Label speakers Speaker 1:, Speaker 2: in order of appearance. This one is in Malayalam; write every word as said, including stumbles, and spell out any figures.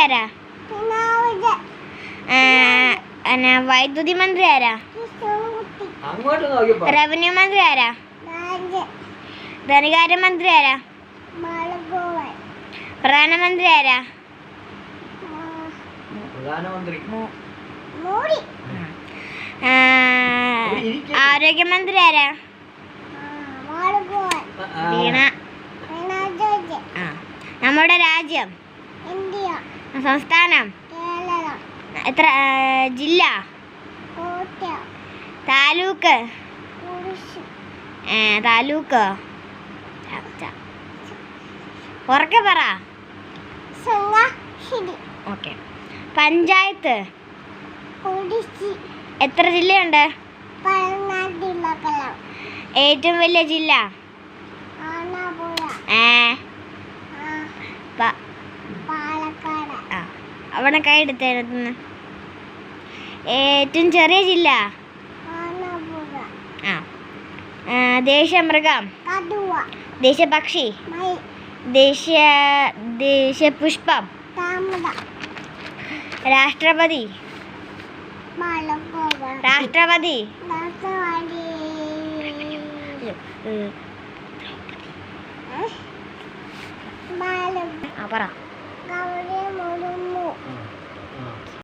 Speaker 1: ആരാ? വൈദ്യുതി മന്ത്രി ആരാ? റവന്യൂ മന്ത്രി ആരാ? ധനകാര്യ മന്ത്രി ആരാ? പ്രധാനമന്ത്രി ആരാ? ആരോഗ്യമന്ത്രി ആരാ? വീണ. നമ്മുടെ രാജ്യം? സംസ്ഥാനം? എത്ര ജില്ല? താലൂക്ക്? താലൂക്ക് ഉറക്കെ പറ. ഓക്കെ. പഞ്ചായത്ത്? എത്ര ജില്ലയുണ്ട്? ഏറ്റവും വലിയ ജില്ല? അവിടെ കൈ എടുത്തേന്ന്. ഏറ്റവും ചെറിയ ജില്ല? ആ ദേശീയ മൃഗം? ദേശീയ പക്ഷി? ദേശീയ ദേശീയ പുഷ്പം? രാഷ്ട്രപതി? രാഷ്ട്രപതി ആ പറ.